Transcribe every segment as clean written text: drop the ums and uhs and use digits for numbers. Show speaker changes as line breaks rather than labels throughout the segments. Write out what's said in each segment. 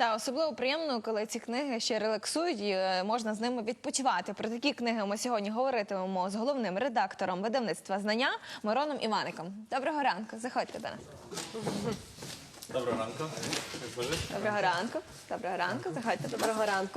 Та особливо приємно, коли ці книги ще релаксують і можна з ними відпочивати. Про такі книги ми сьогодні говоритимемо з головним редактором видавництва «Знання» Мироном Іваником. Доброго ранку, заходьте до нас.
Доброго ранку.
Доброго ранку. Доброго ранку, заходьте.
Доброго ранку.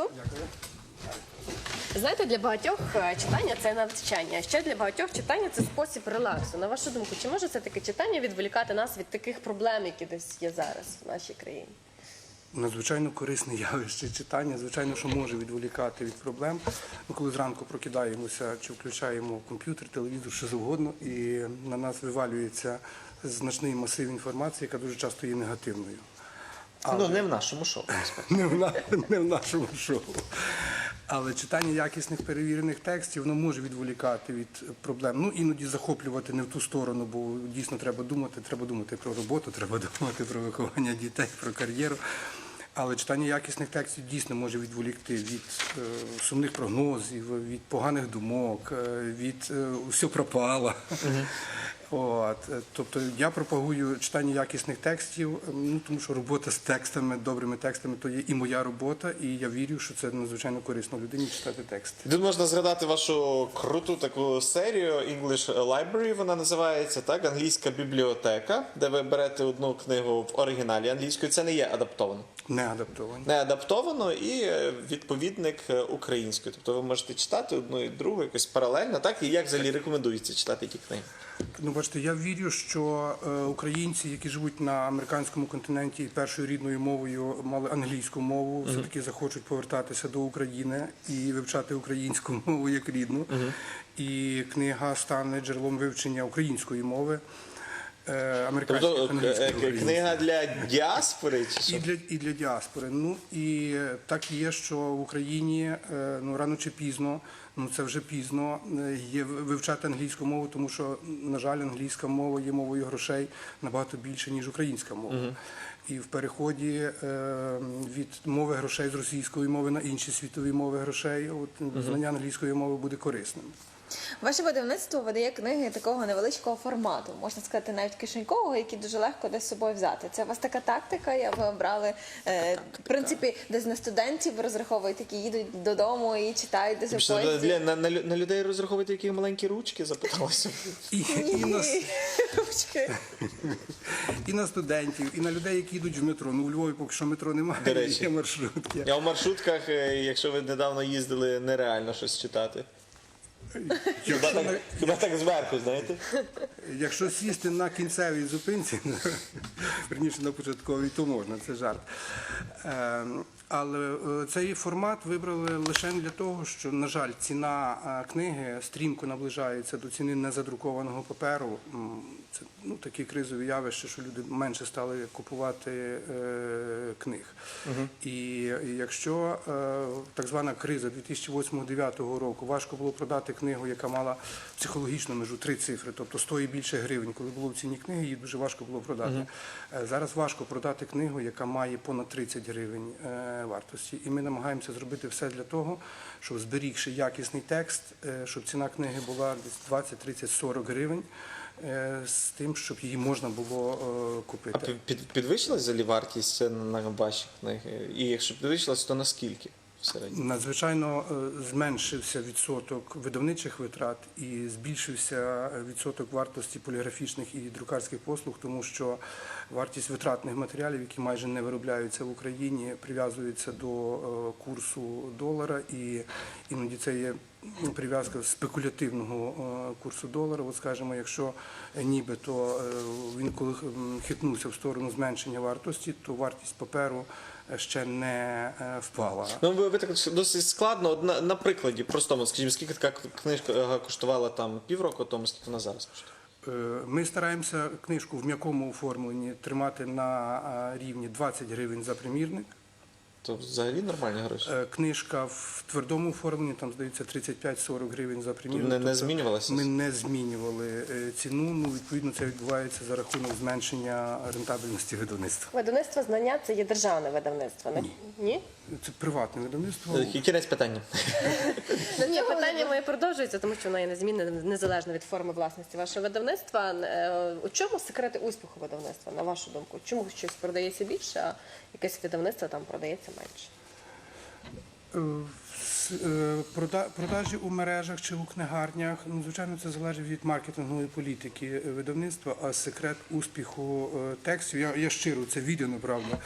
Знаєте, для багатьох читання – це навчання, а ще для багатьох читання – це спосіб релаксу. На вашу думку, чи може це таке читання відволікати нас від таких проблем, які десь є зараз в нашій країні?
Надзвичайно корисне явище читання, звичайно, що може відволікати від проблем. Ми коли зранку прокидаємося чи включаємо комп'ютер, телевізор, що завгодно, і на нас вивалюється значний масив інформації, яка дуже часто є негативною.
Ну, не в нашому шоу.
Не в нашому шоу. Але читання якісних перевірених текстів, воно може відволікати від проблем. Ну, іноді захоплювати не в ту сторону, бо дійсно треба думати про роботу, треба думати про виховання дітей, про кар'єру. Але читання якісних текстів дійсно може відволікти від сумних прогнозів, від поганих думок, від «все пропало». От, тобто я пропагую читання якісних текстів, ну, тому що робота з текстами, добрими текстами, то є і моя робота, і я вірю, що це надзвичайно корисно людині читати тексти.
Тут можна згадати вашу круту таку серію English Library, вона називається, так, англійська бібліотека, де ви берете одну книгу в оригіналі англійською, це не є адаптовано.
Не адаптовані.
Не адаптовано і відповідник українською. Тобто ви можете читати одну і другу якось паралельно, так? І як взагалі рекомендується читати які книги?
Ну, бачите, я вірю, що українці, які живуть на американському континенті і першою рідною мовою мали англійську мову, все-таки захочуть повертатися до України і вивчати українську мову як рідну. І книга стане джерелом вивчення української мови.
Тобто книга для діаспори? Чи що?
І для діаспори. Ну, і так є, що в Україні ну, рано чи пізно, ну це вже пізно, є вивчати англійську мову, тому що, на жаль, англійська мова є мовою грошей набагато більше, ніж українська мова. І в переході від мови грошей з російської мови на інші світові мови грошей, от, знання англійської мови буде корисним.
Ваше видавництво видає книги такого невеличкого формату, можна сказати, навіть кишенькового, які дуже легко десь з собою взяти. Це у вас така тактика, ви обрали, в принципі, десь на студентів розраховуєте, які їдуть додому і читають десь у поїзді?
На людей розраховуєте, які маленькі ручки, запиталося?
І на студентів, і на людей, які йдуть в метро. Ну, у Львові поки що метро немає, є маршрутки.
А в маршрутках, якщо ви недавно їздили, нереально щось читати. Хіба так зверху, знаєте?
Якщо сісти на кінцевій зупинці, верніше на початковій, то можна, це жарт. Але цей формат вибрали лише для того, що, на жаль, ціна книги стрімко наближається до ціни незадрукованого паперу. Це ну, такі кризові явища, що люди менше стали купувати книг. І якщо так звана криза 2008-2009 року важко було продати книгу, яка мала психологічну межу 3 цифри, тобто 100 і більше гривень, коли було в ціні книги, її дуже важко було продати. Зараз важко продати книгу, яка має понад 30 гривень вартості. І ми намагаємося зробити все для того, щоб, зберігши якісний текст, щоб ціна книги була десь 20, 30, 40 гривень, з тим, щоб її можна було купити.
А підвищилась взагалі вартість на ваші книги? І якщо підвищилась, то наскільки?
Надзвичайно зменшився відсоток видавничих витрат і збільшився відсоток вартості поліграфічних і друкарських послуг, тому що вартість витратних матеріалів, які майже не виробляються в Україні, прив'язується до курсу долара, і іноді це є прив'язка спекулятивного курсу долара. От, скажімо, якщо нібито він коли хитнувся в сторону зменшення вартості, то вартість паперу ще не впала.
Ну, ви так досить складно. От на прикладі простому, скажімо, скільки така книжка коштувала там півроку тому, скільки вона зараз коштує?
Ми стараємося книжку в м'якому оформленні тримати на рівні 20 гривень за примірник.
То взагалі нормальні гроші.
Книжка в твердому оформленні, там, здається, 35-40 гривень за примірник.
Не
Тобто
змінювалося?
Ми не змінювали ціну, ну, відповідно, це відбувається за рахунок зменшення рентабельності видавництва.
Видавництво знання це є державне видавництво, не? Ні?
Це приватне видавництво.
Кінець питання.
Ні, питання моє продовжується, тому що воно є незмінне, незалежно від форми власності вашого видавництва. У чому секрети успіху видавництва, на вашу думку? Чому щось продається більше, а якесь видавництво там продається менше?
Продажі у мережах чи у книгарнях, ну, звичайно, це залежить від маркетингової політики видавництва, а секрет успіху текстів, я щиро, це віддано, правда.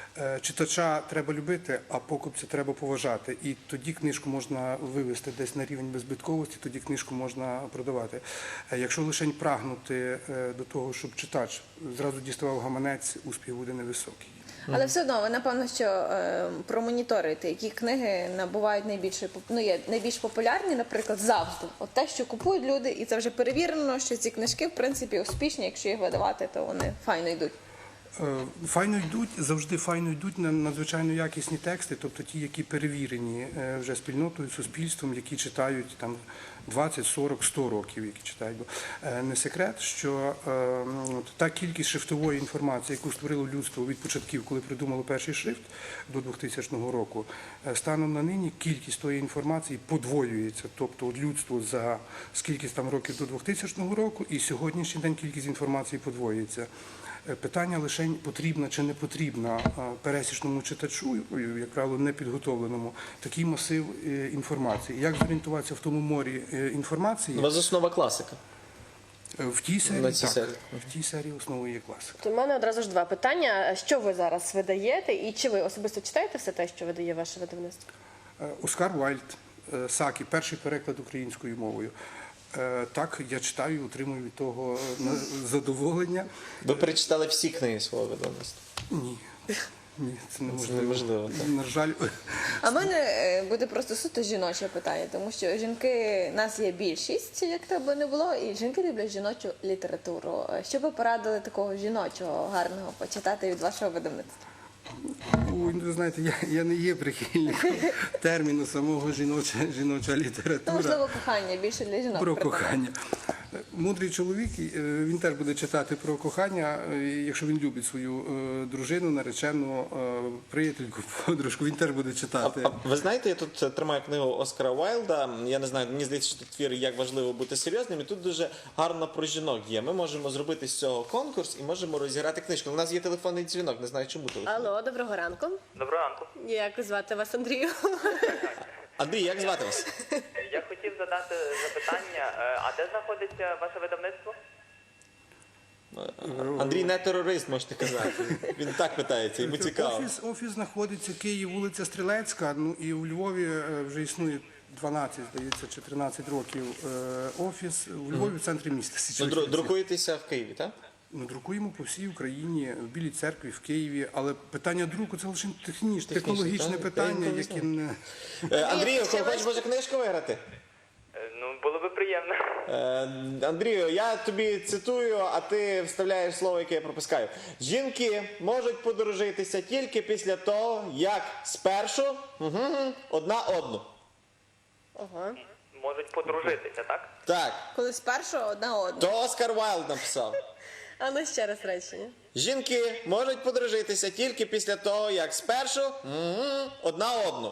Читача треба любити, а покупця треба поважати. І тоді книжку можна вивести десь на рівень беззбитковості, тоді книжку можна продавати. Якщо лише прагнути до того, щоб читач зразу діставав гаманець, успіх буде невисокий.
Але все одно ви напевно, що промоніторите, які книги набувають є найбільш популярні, наприклад, завжди. От те, що купують люди, і це вже перевірено, що ці книжки в принципі успішні. Якщо їх видавати, то вони файно йдуть.
Файно йдуть, завжди файно йдуть на надзвичайно якісні тексти, тобто ті, які перевірені вже спільнотою, суспільством, які читають там 20, 40, 100 років, які читають. Бо не секрет, що та кількість шрифтової інформації, яку створило людство від початків, коли придумало перший шрифт до 2000 року, станом на нині кількість тої інформації подвоюється. Тобто от людство за скількись там років до 2000 року і сьогоднішній день кількість інформації подвоюється. Питання лише потрібна чи не потрібна пересічному читачу, як правило, непідготовленому, такий масив інформації. Як зорієнтуватися в тому морі інформації?
У вас основа класика.
В тій серії,
На цій
так.
серії.
В тій серії основою є класика.
То в мене одразу ж два питання. Що ви зараз видаєте і чи ви особисто читаєте все те, що видає ваше видавництво?
Оскар Вайльд, Сакі, перший переклад українською мовою. Так, я читаю, отримую від того задоволення.
Ви перечитали всі книги свого видавництва?
Ні. Ні, це
неможливо, так.
На жаль,
А в мене буде просто суто жіноче питання, тому що жінки, нас є більшість, як то би не було, і жінки люблять жіночу літературу. Що би порадили такого жіночого, гарного почитати від вашого видавництва?
ой, ви знаєте, я не є прихильником терміну самого жіноча література.
Ну, можливо, кохання більше для жінок.
Про
придумано.
кохання. Мудрий чоловік, він теж буде читати про кохання, якщо він любить свою дружину, наречену, приятельку, подружку, він теж буде читати.
Ви знаєте, я тут тримаю книгу Оскара Уайльда. Я не знаю, мені здається, що тут твір «Як важливо бути серйозним», і тут дуже гарно про жінок є. Ми можемо зробити з цього конкурс і можемо розіграти книжку. У нас є телефонний дзвінок, не знаю, чому телефонний.
Алло, доброго ранку.
Доброго ранку.
Як звати вас, Андрію?
Андрій, як звати вас?
Я хотів задати запитання, а де знаходиться ваше видавництво?
Андрій не терорист, можете казати. Він так питається, йому цікаво.
Офіс знаходиться Київ, вулиця Стрілецька, ну і у Львові вже існує 12, здається, чи 13 років офіс. У Львові в центрі міста.
Ну, друкуєтеся в Києві, так?
Ми друкуємо по всій Україні, в Білій церкві, в Києві, але питання друку це лише технологічне
так?
питання,
Я
яке не...
Андрію, хочеш може книжку виграти?
Ну, було би приємно.
Андрію, я тобі цитую, а ти вставляєш слово, яке я пропускаю. Жінки можуть подружитися тільки після того, як спершу одна одну.
Ага.
Можуть подружитися, так?
Так,
Коли спершу одна одна.
то Оскар Уайльд написав.
А ну ще раз речення.
Жінки можуть подружитися тільки після того, як спершу одна одну.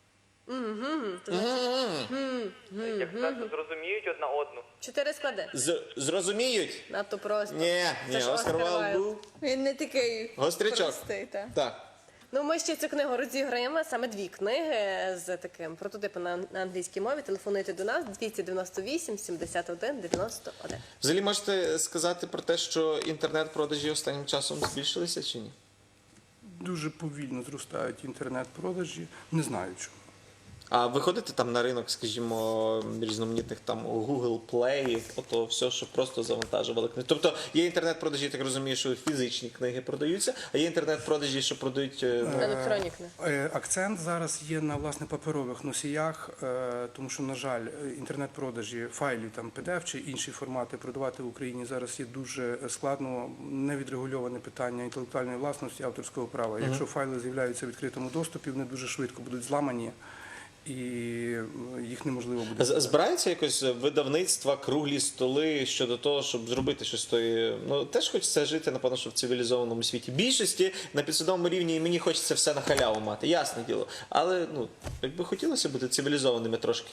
Як спершу зрозуміють одна одну.
4 склади.
Зрозуміють?
Надто просто.
Ні,
Це ж
Оскар
Оскар
Уайльд
Вайлд.
був
Він не такий
гострячок.
простий. Так.
Так.
Ну, ми ще цю книгу розіграємо, саме 2 книги з таким прототипом на англійській мові. Телефонуйте до нас 298 71 91.
Взагалі можете сказати про те, що інтернет-продажі останнім часом збільшилися чи ні?
Дуже повільно зростають інтернет-продажі, не знаю чому.
А виходите там на ринок, скажімо, різноманітних там Google Play, ото все, що просто завантажували книги. Тобто є інтернет-продажі, я так розумію, що фізичні книги продаються, а є інтернет-продажі, що продають
Електронні книги.
Акцент зараз є на власне паперових носіях, тому що, на жаль, інтернет-продажі файлів, там PDF чи інші формати продавати в Україні зараз є дуже складно, невідрегульоване питання інтелектуальної власності, авторського права. Якщо файли з'являються в відкритому доступі, вони дуже швидко будуть зламані. І їх неможливо буде.
Збираються якось видавництва, круглі столи щодо того, щоб зробити щось тої. Ну теж хочеться жити, напевно, що в цивілізованому світі. Більшості на підсвідомому рівні і мені хочеться все на халяву мати, ясне діло. Але ну якби хотілося бути цивілізованими трошки.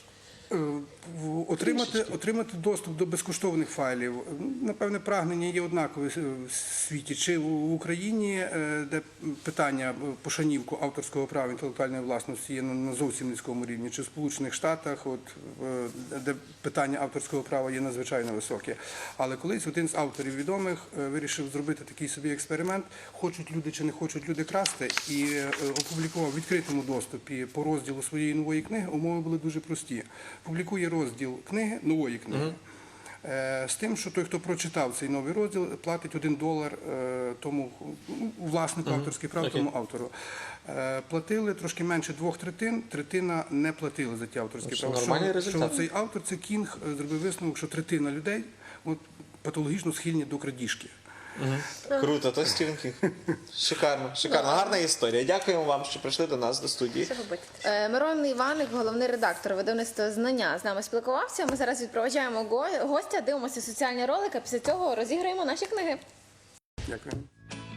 Отримати доступ до безкоштовних файлів, напевне, прагнення є однакове в світі. Чи в Україні, де питання пошанівку авторського права інтелектуальної власності є на зовсім низькому рівні, чи в Сполучених Штатах, де питання авторського права є надзвичайно високе. Але колись один з авторів відомих вирішив зробити такий собі експеримент, хочуть люди чи не хочуть люди красти, і опублікував в відкритому доступі по розділу своєї нової книги. Умови були дуже прості. Публікує розділ книги, нової книги, з тим, що той, хто прочитав цей новий розділ, платить $1 тому власнику авторських прав, тому автору. Платили трошки менше 2/3, третина не платили за ті авторські права.
Нормальний результат.
Що цей автор, це Кінг, зробив висновок, що третина людей патологічно схильні до крадіжки.
Круто, то Стівен Кінг. Шикарно, шикарно. Гарна історія. Дякуємо вам, що прийшли до нас до студії.
Що ви бачите?
Мирон Іваник, головний редактор видавництва «Знання», з нами спілкувався. Ми зараз відпроваджаємо гостя, дивимося соціальні ролики, після цього розіграємо наші книги.
Дякую.